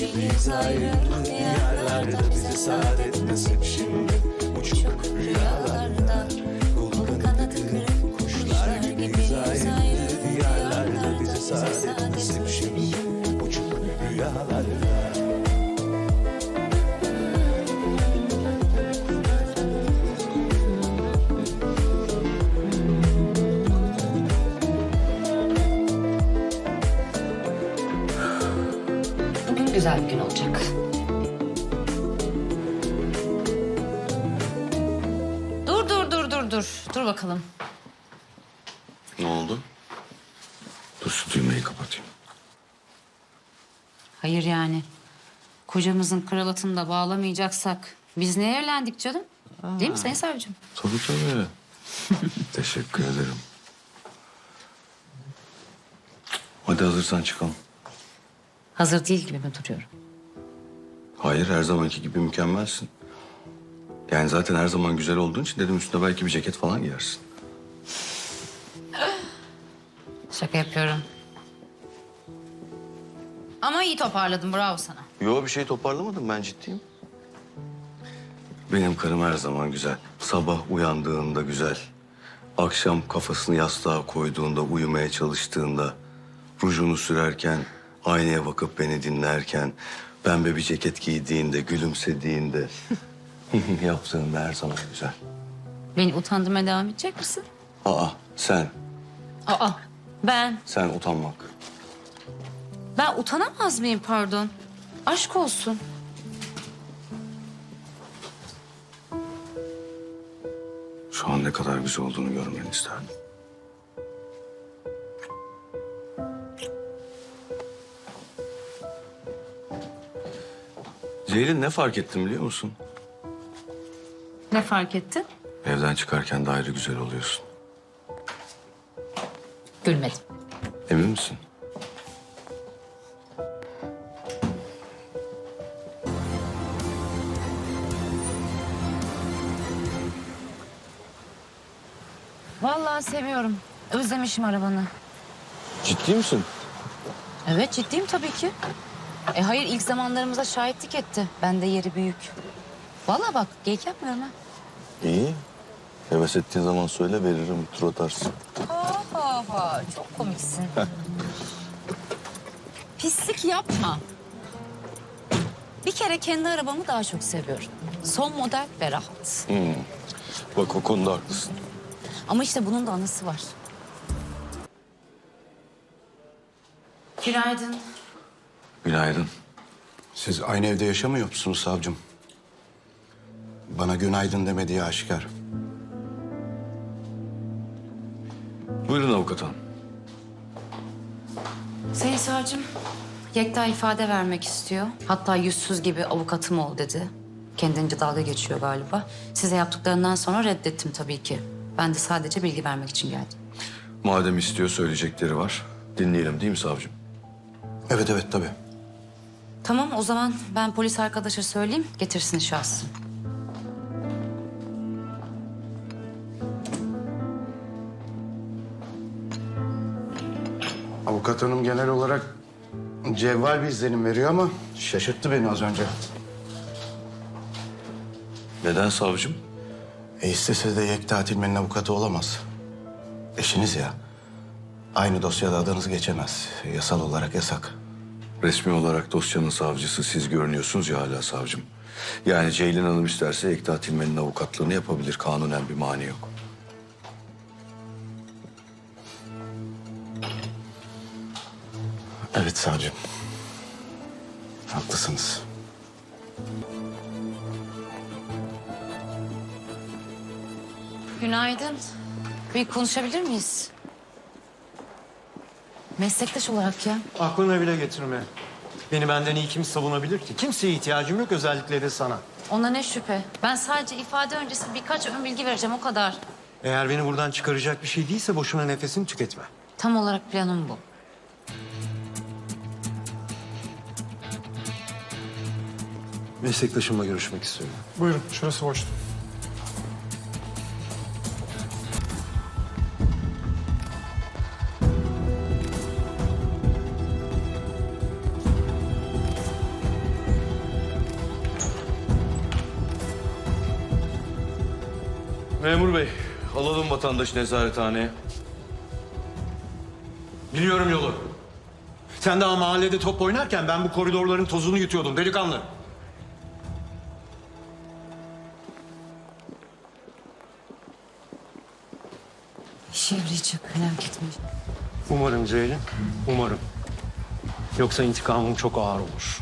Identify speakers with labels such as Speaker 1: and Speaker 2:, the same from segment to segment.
Speaker 1: gibiyiz ayrı diyarlarda. Bize saadet nasip şimdi uçuk rüyalarda. Kolu kanadı kırık kuşlar gibiyiz ayrı diyarlarda. Bize saadet nasip şimdi uçuk rüyalarda.
Speaker 2: Bugün güzel bir gün olacak. Dur bakalım.
Speaker 3: Ne oldu? Dur şu düğmeyi kapatayım.
Speaker 2: Hayır yani. Kocamızın kravatını da bağlamayacaksak biz neye evlendik canım? Değil mi Sayın Savcım?
Speaker 3: Tabii. Teşekkür ederim. Hadi hazırsan çıkalım.
Speaker 2: Hazır değil gibi mi duruyorum?
Speaker 3: Hayır, her zamanki gibi mükemmelsin. Yani zaten her zaman güzel olduğun için dedim üstüne belki bir ceket falan giyersin.
Speaker 2: Şaka yapıyorum. Ama iyi toparladın, bravo sana.
Speaker 3: Yo, bir şey toparlamadım, ben ciddiyim. Benim karım her zaman güzel. Sabah uyandığında güzel. Akşam kafasını yastığa koyduğunda, uyumaya çalıştığında... ...rujunu sürerken, aynaya bakıp beni dinlerken... ...pembe bir ceket giydiğinde, gülümsediğinde... ...yaptığında her zaman güzel.
Speaker 2: Beni utandırmaya devam edecek misin?
Speaker 3: Sen
Speaker 2: Ben
Speaker 3: utanmak.
Speaker 2: Ben utanamaz mıyım pardon? Aşk olsun.
Speaker 3: Şu an ne kadar güzel olduğunu görmeni isterdim. Ceylin, ne fark ettim biliyor musun?
Speaker 2: Ne fark ettin?
Speaker 3: Evden çıkarken de ayrı güzel oluyorsun.
Speaker 2: Gülmedim.
Speaker 3: Emin misin?
Speaker 2: Vallahi seviyorum. Özlemişim arabanı.
Speaker 3: Ciddi misin?
Speaker 2: Evet ciddiyim tabii ki. Hayır ilk zamanlarımıza şahitlik etti. Bende yeri büyük. Vallahi bak geyik yapmıyorum ha.
Speaker 3: İyi. Heves ettiğin zaman söyle, veririm, bir tur atarsın.
Speaker 2: Çok komiksin. Pislik yapma. Bir kere kendi arabamı daha çok seviyorum. Son model ve rahat.
Speaker 3: Bak, o konuda haklısın.
Speaker 2: Ama işte bunun da anısı var. Günaydın.
Speaker 3: Günaydın.
Speaker 4: Siz aynı evde yaşamıyor musunuz savcım? Bana günaydın demediği aşikar.
Speaker 3: Buyurun avukat hanım.
Speaker 2: Sayın savcım, Yekta ifade vermek istiyor. Hatta yüzsüz gibi avukatım ol dedi. Kendince dalga geçiyor galiba. Size yaptıklarından sonra reddettim tabii ki. Ben de sadece bilgi vermek için geldim.
Speaker 3: Madem istiyor, söyleyecekleri var. Dinleyelim değil mi savcım?
Speaker 4: Evet tabii.
Speaker 2: Tamam o zaman ben polis arkadaşa söyleyeyim, getirsin şahsı.
Speaker 4: Avukat hanım genel olarak cevval bir izlenim veriyor ama şaşırttı beni az önce.
Speaker 3: Neden savcım?
Speaker 4: İstese de Yekta Tilmen'in avukatı olamaz. Eşiniz ya. Aynı dosyada adınız geçemez. Yasal olarak yasak.
Speaker 3: Resmi olarak dosyanın savcısı siz görünüyorsunuz ya hala savcım. Yani Ceylin Hanım isterse Yekta Tilmen'in avukatlığını yapabilir. Kanunen bir mani yok.
Speaker 4: Evet savcım. Haklısınız.
Speaker 2: Günaydın. Bir konuşabilir miyiz? Meslektaş olarak ya.
Speaker 5: Aklına bile getirme. Beni benden iyi kim savunabilir ki? Kimseye ihtiyacım yok, özellikle de sana.
Speaker 2: Ona ne şüphe. Ben sadece ifade öncesi birkaç ön bilgi vereceğim o kadar.
Speaker 5: Eğer beni buradan çıkaracak bir şey değilse boşuna nefesini tüketme.
Speaker 2: Tam olarak planım bu.
Speaker 5: Meslektaşımla görüşmek istiyorum.
Speaker 6: Buyurun, şurası boştu.
Speaker 3: Memur bey, alalım vatandaşı nezarethaneye.
Speaker 5: Biliyorum yolu. Sen daha mahallede top oynarken ben bu koridorların tozunu yutuyordum delikanlı.
Speaker 2: İşe yarayacak, merak etme.
Speaker 5: Umarım Ceylin, umarım. Yoksa intikamım çok ağır olur.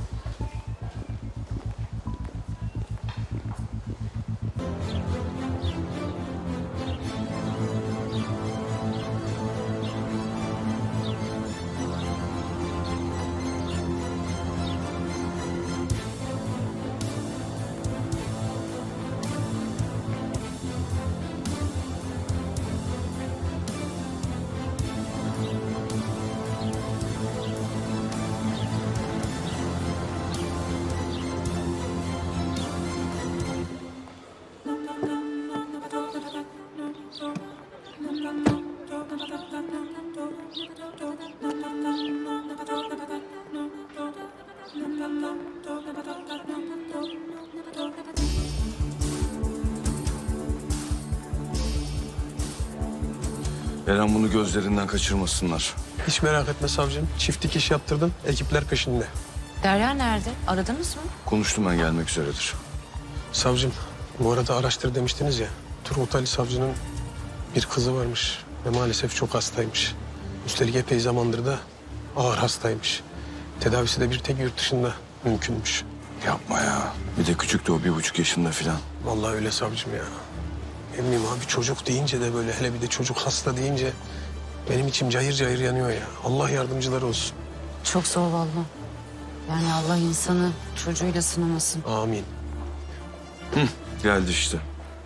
Speaker 3: Eren bunu gözlerinden kaçırmasınlar.
Speaker 6: Hiç merak etme savcım. Çift dikiş yaptırdım. Ekipler peşinde.
Speaker 2: Derya nerede? Aradınız mı?
Speaker 3: Konuştum, ben gelmek üzeredir.
Speaker 6: Savcım bu arada araştır demiştiniz ya. Turgut Ali savcının bir kızı varmış. Ve maalesef çok hastaymış. Üstelik epey zamandır da ağır hastaymış. Tedavisi de bir tek yurt dışında mümkünmüş.
Speaker 3: Yapma ya. Bir de küçüktü o, 1,5 yaşında falan.
Speaker 6: Vallahi öyle savcım ya. Ne bileyim abi, çocuk deyince de böyle, hele bir de çocuk hasta deyince benim içim cayır cayır yanıyor ya. Allah yardımcıları olsun.
Speaker 2: Çok zor vallahi. Yani Allah insanı çocuğuyla sınamasın.
Speaker 6: Amin.
Speaker 3: Geldi işte.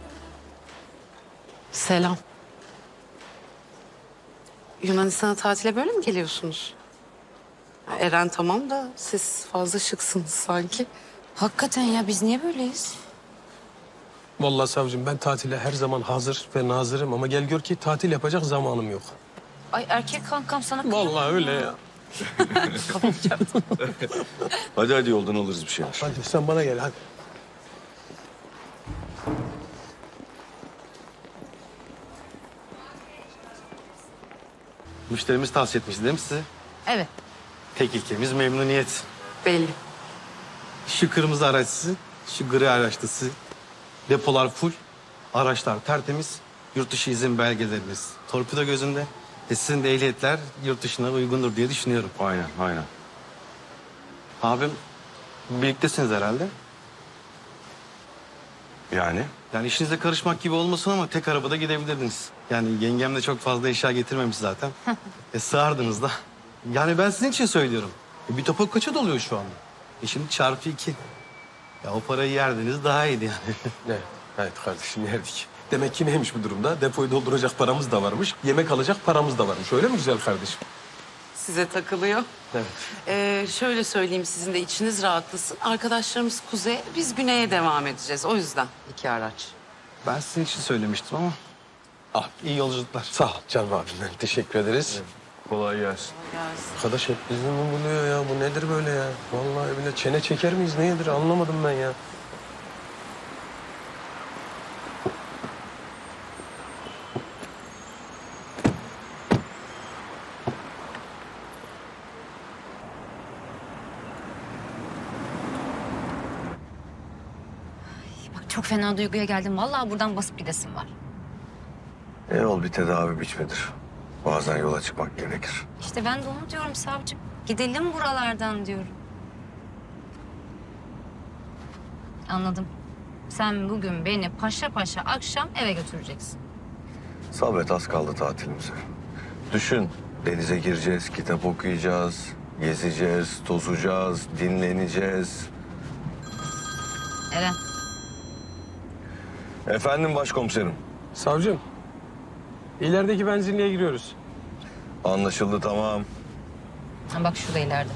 Speaker 7: Selam. Yunanistan'a tatile böyle mi geliyorsunuz? Ya Eren tamam da siz fazla şıksınız sanki.
Speaker 2: Hakikaten ya, biz niye böyleyiz?
Speaker 6: Vallahi savcım ben tatile her zaman hazır ve nazırım ama gel gör ki tatil yapacak zamanım yok.
Speaker 2: Ay erkek kankam sana
Speaker 6: Vallahi öyle ya.
Speaker 3: Hadi yoldan alırız bir şeyler.
Speaker 6: Hadi sen bana gel hadi.
Speaker 5: Müşterimiz tavsiye etmişti değil mi size?
Speaker 2: Evet.
Speaker 5: Tek ilkemiz memnuniyet.
Speaker 7: Belli.
Speaker 5: Şu kırmızı araç sizin, şu gri araç da sizin. Depolar full, araçlar tertemiz, yurt dışı izin belgeleriniz torpido gözünde. Sizin de ehliyetler yurt dışına uygundur diye düşünüyorum.
Speaker 3: Aynen.
Speaker 5: Abim, birliktesiniz herhalde.
Speaker 3: Yani?
Speaker 5: Yani işinize karışmak gibi olmasın ama tek arabada gidebilirdiniz. Yani yengem de çok fazla eşya getirmemiş zaten. Sığardınız da. Yani ben sizin için söylüyorum. Bir topa kaça doluyor şu anda? Şimdi çarpı 2. Ya o parayı yerdiniz daha iyiydi yani.
Speaker 6: Evet kardeşim yerdik. Demek ki neymiş bu durumda? Depoyu dolduracak paramız da varmış. Yemek alacak paramız da varmış. Öyle mi güzel kardeşim?
Speaker 7: Size takılıyor.
Speaker 6: Evet.
Speaker 7: Şöyle söyleyeyim, sizin de içiniz rahatlasın. Arkadaşlarımız kuzeye, biz güneye devam edeceğiz. O yüzden 2 araç.
Speaker 5: Ben sizin için söylemiştim ama. Ah, iyi yolculuklar.
Speaker 6: Sağ ol canım abim. Teşekkür ederiz.
Speaker 3: Kolay gelsin.
Speaker 6: Arkadaş hep bizi mi buluyor ya? Bu nedir böyle ya? Vallahi bile çene çeker miyiz? Nedir? Anlamadım ben ya.
Speaker 2: Bak çok fena duyguya geldim. Vallahi buradan basıp gidesim var.
Speaker 3: Yol bir tedavi biçmidir. Bazen yola çıkmak gerekir.
Speaker 2: İşte ben de onu diyorum savcım. Gidelim buralardan diyorum. Anladım. Sen bugün beni paşa paşa akşam eve götüreceksin.
Speaker 3: Sabret, az kaldı tatilimize. Düşün, denize gireceğiz, kitap okuyacağız, gezeceğiz, tozacağız, dinleneceğiz.
Speaker 2: Eren.
Speaker 3: Efendim başkomiserim.
Speaker 6: Savcım, ilerideki benzinliğe giriyoruz.
Speaker 3: Anlaşıldı, tamam.
Speaker 2: Ha, bak şurada ileride.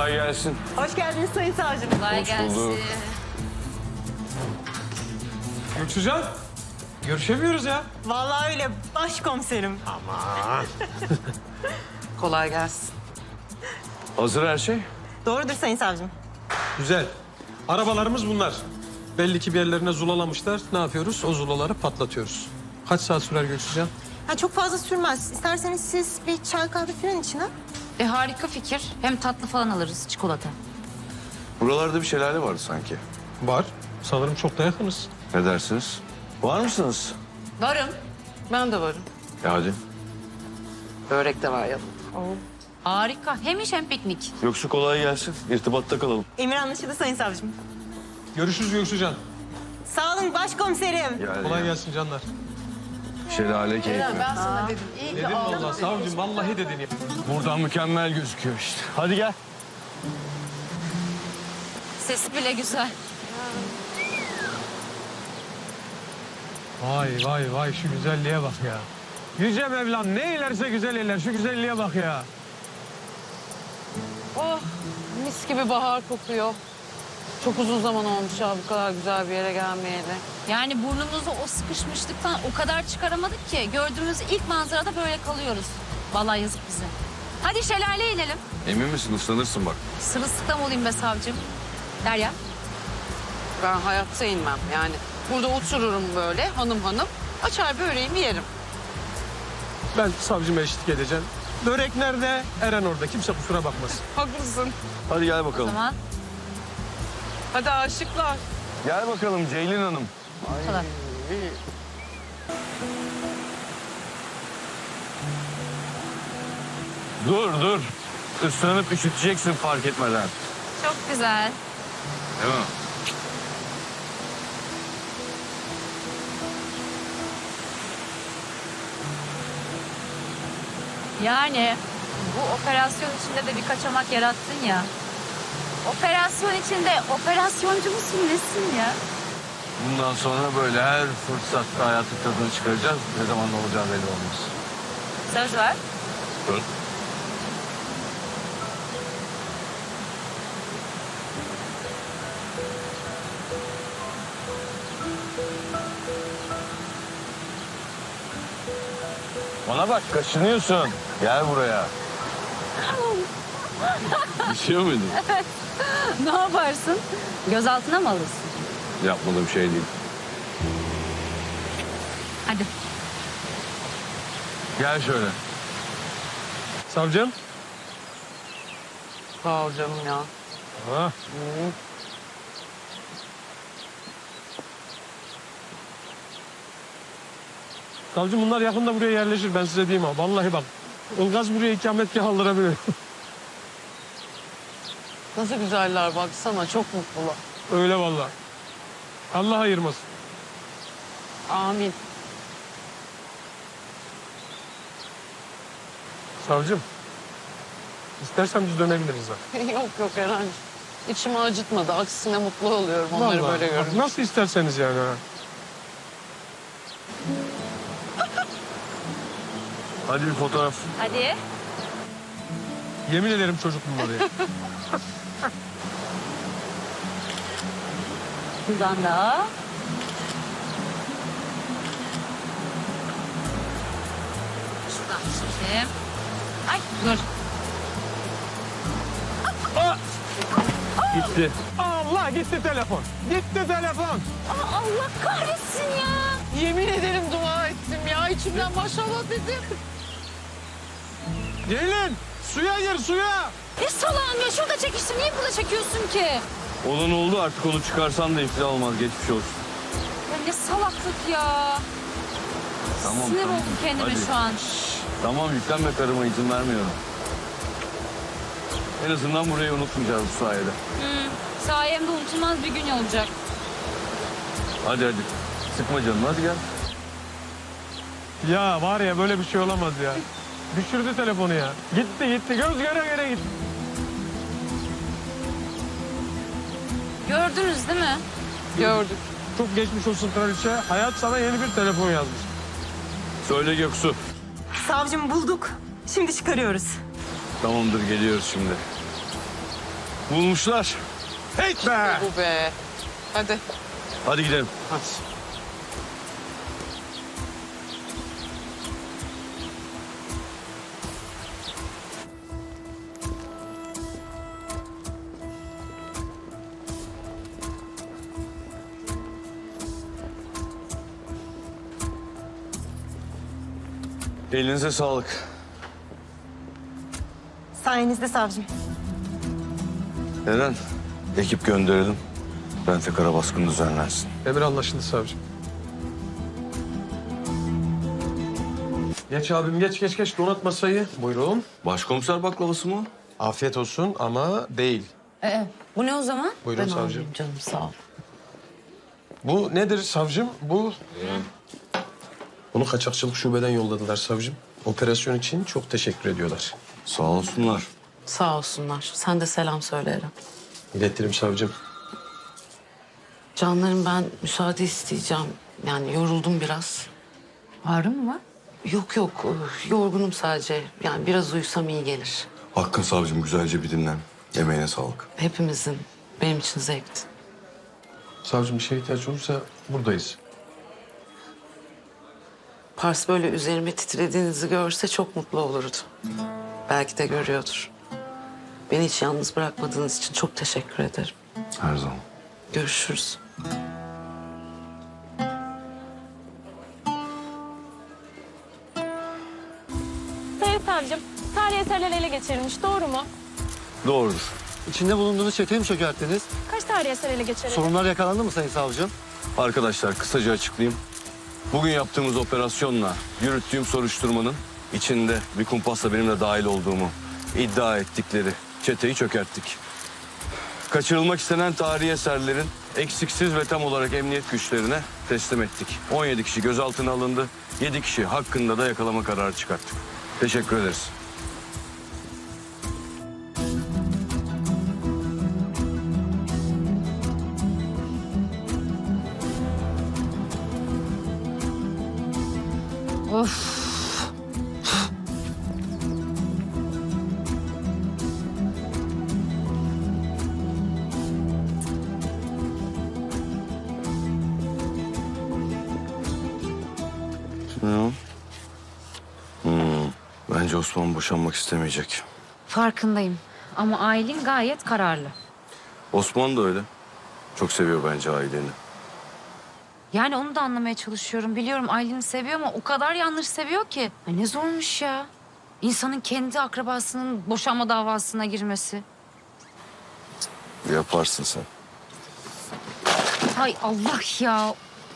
Speaker 3: Kolay gelsin.
Speaker 8: Hoş geldiniz Sayın Savcım.
Speaker 2: Kolay
Speaker 3: bulduk.
Speaker 2: gelsin.
Speaker 6: Göksucan, görüşemiyoruz ya.
Speaker 8: Vallahi öyle başkomiserim.
Speaker 7: Kolay gelsin.
Speaker 3: Hazır her şey.
Speaker 8: Doğrudur Sayın Savcım.
Speaker 6: Güzel. Arabalarımız bunlar. Belli ki bir yerlerine zulalamışlar. Ne yapıyoruz? O zulaları patlatıyoruz. Kaç saat sürer Göksucan?
Speaker 8: Ha, çok fazla sürmez. İsterseniz siz bir çay kahve falan için ha.
Speaker 2: Harika fikir. Hem tatlı falan alırız, çikolata.
Speaker 3: Buralarda bir şelale vardı sanki.
Speaker 6: Var. Sanırım çok da yakınız.
Speaker 3: Ne dersiniz? Var mısınız?
Speaker 2: Varım.
Speaker 7: Ben de varım.
Speaker 3: Hadi.
Speaker 7: Börek de var yanımda.
Speaker 2: Harika. Hem iş hem piknik.
Speaker 3: Yoksa kolay gelsin. İrtibatta kalalım.
Speaker 8: Emir anlaşıldı Sayın Savcım.
Speaker 6: Görüşürüz Göksucan.
Speaker 8: Sağ olun başkomiserim.
Speaker 3: Yani
Speaker 6: Kolay gelsin canlar.
Speaker 3: şelale keyfi.
Speaker 7: sana dedim. İyi ki
Speaker 6: Dedim vallahi savcım, vallahi dedin ya.
Speaker 3: Buradan mükemmel gözüküyor işte. Hadi gel.
Speaker 2: Sesi bile güzel.
Speaker 6: Vay vay vay, şu güzelliğe bak ya. Yüce Mevlam ne eylerse güzel eyler. Şu güzelliğe bak ya.
Speaker 7: Oh, mis gibi bahar kokuyor. Çok uzun zaman olmuş ya bu kadar güzel bir yere gelmeyeli.
Speaker 2: Yani burnumuzu o sıkışmışlıktan o kadar çıkaramadık ki gördüğümüz ilk manzarada böyle kalıyoruz. Vallahi yazık bize. Hadi şelaleye inelim.
Speaker 3: Emin misin? Islanırsın bak.
Speaker 2: Sırılsıklam olayım be savcım. Derya.
Speaker 7: Ben hayatta inmem yani. Burada otururum böyle hanım hanım. Açar böreğimi yerim.
Speaker 6: Ben savcıma eşlik edeceğim. Börek nerede? Eren orada. Kimse kusura bakmasın.
Speaker 7: Haklısın.
Speaker 3: Hadi gel
Speaker 2: O
Speaker 3: bakalım.
Speaker 2: zaman
Speaker 7: Hadi aşıklar.
Speaker 3: Gel bakalım Ceylin Hanım.
Speaker 2: bu kadar.
Speaker 3: Dur. Islanıp üşüteceksin fark etmeden.
Speaker 2: Çok güzel.
Speaker 3: Değil mi?
Speaker 2: Yani bu operasyon içinde de bir kaçamak yarattın ya. Operasyon içinde operasyoncu musun nesin ya?
Speaker 3: Bundan sonra böyle her fırsatta hayatın tadını çıkaracağız. Ne zaman ne olacağı belli olmaz.
Speaker 2: Söz ver.
Speaker 3: Dur. Bana bak kaşınıyorsun. Gel buraya. Düşüyor muydun?
Speaker 2: Ne yaparsın? Gözaltına mı alırsın?
Speaker 3: Yapmadığım şey değil.
Speaker 2: Hadi.
Speaker 3: Gel şöyle.
Speaker 6: Savcım.
Speaker 7: Sağ ol canım ya.
Speaker 6: Ha. Savcım bunlar yakında buraya yerleşir, ben size diyeyim ha. Vallahi bak, Ilgaz buraya ikametgah aldırabilir.
Speaker 7: Nasıl güzeller baksana çok mutlular.
Speaker 6: Öyle vallahi. Allah ayırmasın.
Speaker 7: Amin.
Speaker 6: Savcım, istersen biz dönebiliriz ha.
Speaker 7: yok Eren. İçimi acıtmadı. Aksine mutlu oluyorum onları
Speaker 6: Vallahi.
Speaker 7: böyle
Speaker 6: Bak,
Speaker 7: görünce.
Speaker 6: nasıl isterseniz yani ha.
Speaker 3: Hadi bir fotoğraf.
Speaker 2: Hadi.
Speaker 6: Yemin ederim çocuk bunlar ya.
Speaker 2: Buradan da. Şuradan çekeyim. Ay dur.
Speaker 3: Gitti.
Speaker 6: Allah gitti telefon. Gitti telefon.
Speaker 2: Allah kahretsin ya.
Speaker 7: Yemin ederim dua ettim ya. İçimden maşallah dedim.
Speaker 6: Ceylin, suya gir suya.
Speaker 2: Ne salağım ya, şurada çekiştim. Niye burada çekiyorsun ki?
Speaker 3: Olan oldu artık onu çıkarsan da iftira olmaz. Geçmiş olsun.
Speaker 2: Ya ne salaklık ya.
Speaker 3: Tamam,
Speaker 2: Sinir
Speaker 3: tamam.
Speaker 2: oldum kendime
Speaker 3: Hadi.
Speaker 2: şu an.
Speaker 3: Tamam yüklenme karıma izin vermiyorum. En azından burayı unutmayacağız bu sayede.
Speaker 2: Sayemde unutulmaz bir gün olacak.
Speaker 3: Hadi. Sıkma canını hadi gel.
Speaker 6: Ya var ya böyle bir şey olamaz ya. Düşürdü telefonu ya. Gitti göz göre göre gitti.
Speaker 2: Gördünüz değil mi?
Speaker 7: Gördük.
Speaker 6: Çok geçmiş olsun kraliçe. Hayat sana yeni bir telefon yazmış.
Speaker 3: Söyle Göksu.
Speaker 8: Savcım bulduk. Şimdi çıkarıyoruz.
Speaker 3: Tamamdır geliyoruz şimdi. Bulmuşlar. Hey be!
Speaker 7: Bu be. Hadi.
Speaker 3: Hadi gidelim.
Speaker 6: Hadi.
Speaker 3: Elinize sağlık.
Speaker 8: Sayenizde savcım.
Speaker 3: Eren, ekip gönderelim. Rentekara baskını düzenlensin.
Speaker 6: Emir anlaşıldı savcım. Geç abim geç donat masayı. Buyurun.
Speaker 3: Başkomiser baklavası mı?
Speaker 6: Afiyet olsun ama değil.
Speaker 2: Bu ne o zaman?
Speaker 6: Buyurun
Speaker 2: Ben
Speaker 6: savcım.
Speaker 2: almayayım canım sağ ol.
Speaker 6: Bu nedir savcım? Bunu kaçakçılık şubeden yolladılar savcım. Operasyon için çok teşekkür ediyorlar.
Speaker 3: Sağ olsunlar.
Speaker 7: Sağ olsunlar. Sen de selam söyle Eren.
Speaker 6: İletirim savcım.
Speaker 7: Canlarım ben müsaade isteyeceğim. Yani yoruldum biraz.
Speaker 2: Ağrın mı var?
Speaker 7: Yok yorgunum sadece. Yani biraz uyusam iyi gelir.
Speaker 3: Hakkın savcım güzelce bir dinlen. Emeğine sağlık.
Speaker 7: Hepimizin. Benim için zevkti.
Speaker 6: Savcım bir şeye ihtiyaç olursa buradayız.
Speaker 7: Pars böyle üzerime titrediğinizi görse çok mutlu olurdu. Belki de görüyordur. Beni hiç yalnız bırakmadığınız için çok teşekkür ederim.
Speaker 3: Her zaman.
Speaker 7: Görüşürüz.
Speaker 9: Sayın savcım, tarihi eserler ele geçirilmiş, doğru mu?
Speaker 3: Doğrudur.
Speaker 10: İçinde bulunduğunuz çeteyi mi çökerttiniz?
Speaker 9: Kaç tarihi eser ele geçirildi?
Speaker 10: Sorunlar yakalandı mı Sayın Savcım?
Speaker 3: Arkadaşlar kısaca açıklayayım. Bugün yaptığımız operasyonla yürüttüğüm soruşturmanın içinde bir kumpasla benim de dahil olduğumu iddia ettikleri çeteyi çökerttik. Kaçırılmak istenen tarihi eserlerin eksiksiz ve tam olarak emniyet güçlerine teslim ettik. 17 kişi gözaltına alındı. 7 kişi hakkında da yakalama kararı çıkarttık. Teşekkür ederiz. Ne o? Bence Osman boşanmak istemeyecek.
Speaker 2: Farkındayım ama Aylin gayet kararlı.
Speaker 3: Osman da öyle. Çok seviyor bence aileni.
Speaker 2: Yani onu da anlamaya çalışıyorum. Biliyorum Aylin'i seviyor ama o kadar yanlış seviyor ki. Ay ne zormuş ya. İnsanın kendi akrabasının boşanma davasına girmesi.
Speaker 3: Yaparsın sen.
Speaker 2: Ay Allah ya.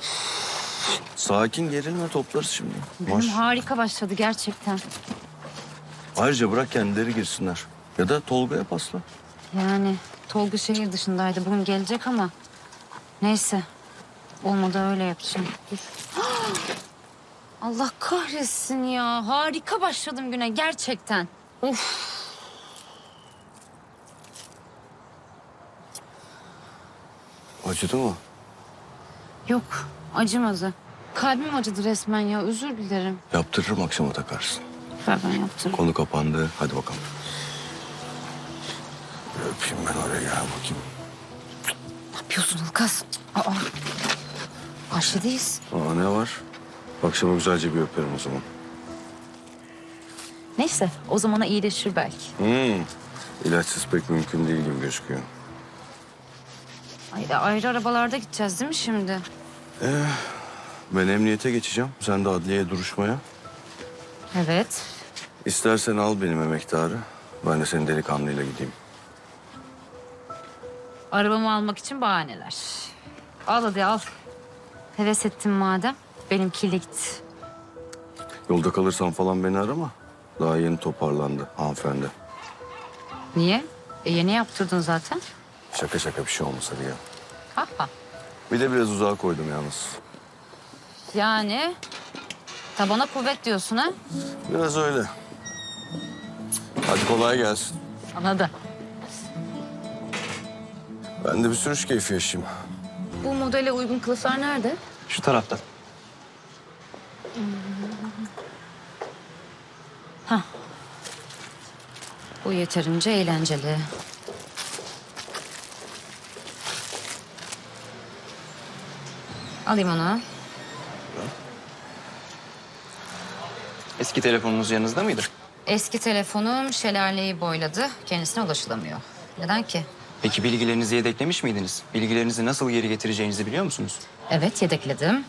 Speaker 3: Sakin gerilme toplarız şimdi.
Speaker 2: Bugün harika başladı gerçekten.
Speaker 3: Ayrıca bırak kendileri girsinler. Ya da Tolga'ya pasla.
Speaker 2: Yani Tolga şehir dışındaydı. Bugün gelecek ama neyse. Olmadı öyle yapacağım. Dur. Allah kahretsin ya. Harika başladım güne gerçekten. Of.
Speaker 3: Acıdı mı?
Speaker 2: Yok acımadı. Kalbim acıdı resmen ya. Özür dilerim.
Speaker 3: Yaptırırım akşama takarsın.
Speaker 2: Ver ben yaptım.
Speaker 3: Konu kapandı. Hadi bakalım. Bir öpeyim ben oraya gel bakayım.
Speaker 2: Ne yapıyorsun Ilgaz? Aa. Karşıdayız.
Speaker 3: Aa ne var? Akşama güzelce bir öperim o zaman.
Speaker 2: Neyse o zamana iyileşir belki.
Speaker 3: İlaçsız pek mümkün değil gibi gözüküyor.
Speaker 2: Ay, ayrı arabalarda gideceğiz değil mi şimdi?
Speaker 3: Ben emniyete geçeceğim. Sen de adliyeye duruşmaya.
Speaker 2: Evet.
Speaker 3: İstersen al benim emektarı. Ben de senin delikanlıyla gideyim.
Speaker 2: Arabamı almak için bahaneler. Al hadi al. Heves ettim madem. Benimkiyle git.
Speaker 3: Yolda kalırsan falan beni arama. Daha yeni toparlandı hanımefendi.
Speaker 2: Niye? Yeni yaptırdın zaten.
Speaker 3: Şaka şaka bir şey olmasa diye.
Speaker 2: Ha ha.
Speaker 3: Bir de biraz uzağa koydum yalnız.
Speaker 2: Yani tabana kuvvet diyorsun ha?
Speaker 3: Biraz öyle. Hadi kolay gelsin.
Speaker 2: Anladım.
Speaker 3: Ben de bir sürüş keyfi yaşayayım.
Speaker 2: Bu modele uygun kılıflar nerede?
Speaker 10: Şu tarafta.
Speaker 2: Bu yeterince eğlenceli. Alayım onu.
Speaker 11: Eski telefonunuz yanınızda mıydı?
Speaker 2: Eski telefonum şelaleyi boyladı. Kendisine ulaşılamıyor. Neden ki?
Speaker 11: Peki bilgilerinizi yedeklemiş miydiniz? Bilgilerinizi nasıl geri getireceğinizi biliyor musunuz?
Speaker 2: Evet, yedekledim.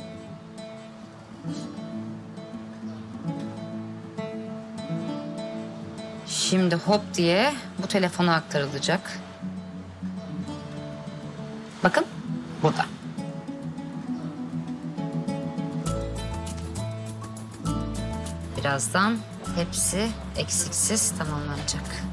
Speaker 2: Şimdi hop diye bu telefona aktarılacak. Bakın, burada. Birazdan hepsi eksiksiz tamamlanacak.